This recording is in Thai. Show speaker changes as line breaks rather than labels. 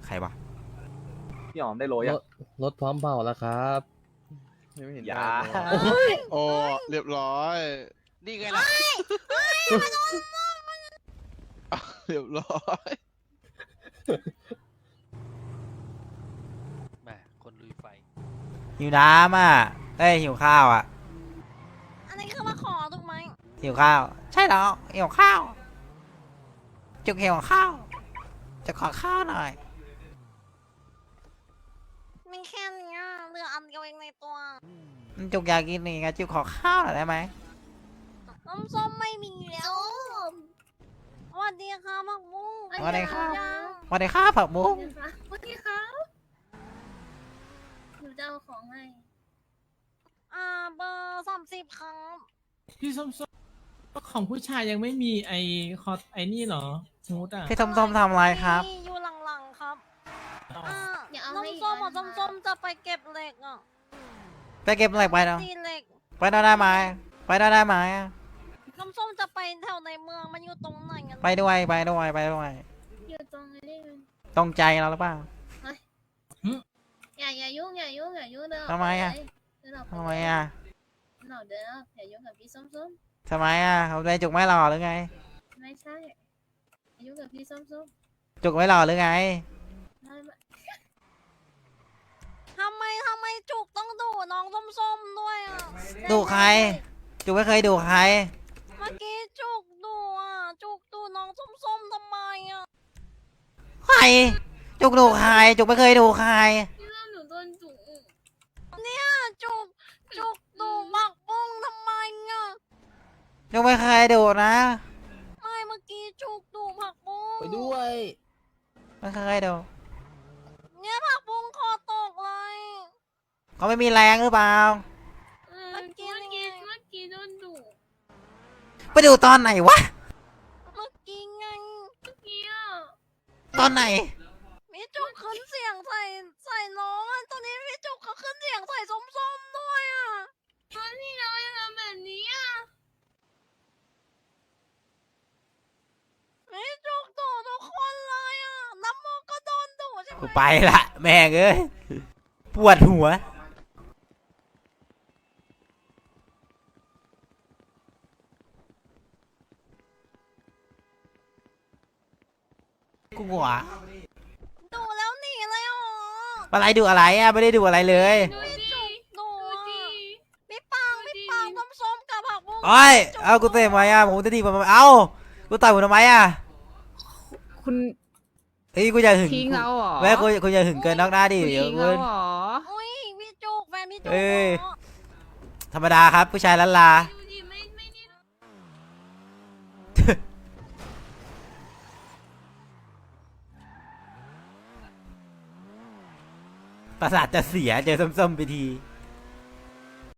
ใครวะ
พี่อ๋อมได้โรย
ร
อ่ะ
ถรถพร้อมเผาแล้วครับ
ยังไม่เห็น
อย่า
ได้เลย
โอ้เรียบร้อย
นี่ไงล่ะ
เรียบร้อย
แหมคนลุยไฟ
หิวน้ำอ่ะเอ้ยหิวข้าวอ่ะ
อันนี้คือมาขอถูกไหม
หิวข้าว ใช่แล้วหิวข้าว จุกหิวข้าว จะขอข้าวหน่อย
มีแค่เนี้ยเหลืออันเดียวเองในตัว
จุกอยากกินนี่ไงจุกขอข้าวหน่อยได้ไหม
น้ำส้มไม่มีแล้วสวัสดีค่ะผักบุ้ง
สวัสดีครับ
ยัง
สวัสดีครับผักบุ้ง
สวัสดีครับหนูจะเอาของให้
เบอร์30ครับ
พี่ส้มของผู้ชายยังไม่มีไอคอร์ไอนี่เหรอสมมติอ่ะ
พี่ส้มๆทำอะไรครับ
มีอยู่หลังๆครับ
อย่าเอาให้
น้ำส้มอ่ะส้มๆจะไปเก็บเหล็กอ่ะ
ไปเก็บเหล็กไปเนาะ
ตีเหล็ก
ไปได้ไหมไปได้ไหม
น้ำส้มจะไปแถวในเมืองมันอยู่ตรงไหนกัน
ไปด้วยไปด้วยไปด้วย
อยู่ตรงนี้มัน
ตรงใจเราหรือเปล่า
อย่ายุ่งอย่ายุ่งอย่ายุ่งเดิน
ทำไมอะ
เดินออกป
ทำไมอ่ะ
เดินออกอย่ายุ่งกับพี่ส้ม
ทำไมอ่ะเขาใจจุกไม่หล่อหรือไง
ๆไม่ใช่อย่ายุ่งกับพี่ส้ม
จุกไม่หล่อหรือไง
ๆไม่
ทำไมจุกต้องดูน้องส้มๆด้วยอ่ะ
ดูใคร จุกไม่เคยดูใคร
เมื่อกี้จุกดูอ่ะจุกดูน้องส้มๆทำไมอ่ะ
ใคร จุกดูใคร จุกไม่เคยดูใคร
พี่ส้มหนูโดนจุก
เนี่ยจุกดูผักบุ้งทำไมอ่ะ
จุกไม่เคยดูนะ
ไม่เมื่อกี้จุกดูผักบุ้ง
ไปด้วย
ไม่เคยดู
เนี่ยผักบุ้งคอตกเลย
เขาไม่มีแรงหรือเปล่า
เมื่อกี้โดนดุ
ไปดูตอนไหนวะ
เมื่อกี้ไง
อ่ะ
ตอนไหน
มีจุกขึ้นเสียงใส่น้องอ่ะตอนนี้มีจุกเขาขึ้นเสียงใส่ส้มๆด้วยอ่ะ
ตอนที่เรายังทำแบบนี้อ่ะ
มีจุกดูทุกคนเลยอ่ะน้ำโมก็โดนดูใช่ไหม
กูไปละแม่งเอ้ย ปวดหัว กูหัว
ดูแล้วหนีเลยเหรอ
อะไรดูอะไรอ่ะ ไม่ได้ดูอะไรเลย
ดูดิ
ดู
ดู
อ่ะ
ดิ
พี่ปังส้มๆกับผักบุ้ง
โอ้ย เอากูเตะทำไมอ่ะ ผมจะดีผมทำไมเอ้า กูต่อยผมทำไมอ่ะ
คุณ
เฮ้ย กูจะหึง
ทิ้งเราเหรอ
แม่กูจะหึงเกินนอกหน้าดิ
คุณ
เดี๋ยว
ทิ้ง
กู
เราเหรอ
อุ้ยพี่จุกแฟนพี่จุก
เอ้ย
เหรอ
ธรรมดาครับ ผู้ชายล้านลา
ดูดิไม่นี่
ประสาทจะเสียเจอส้มๆไปที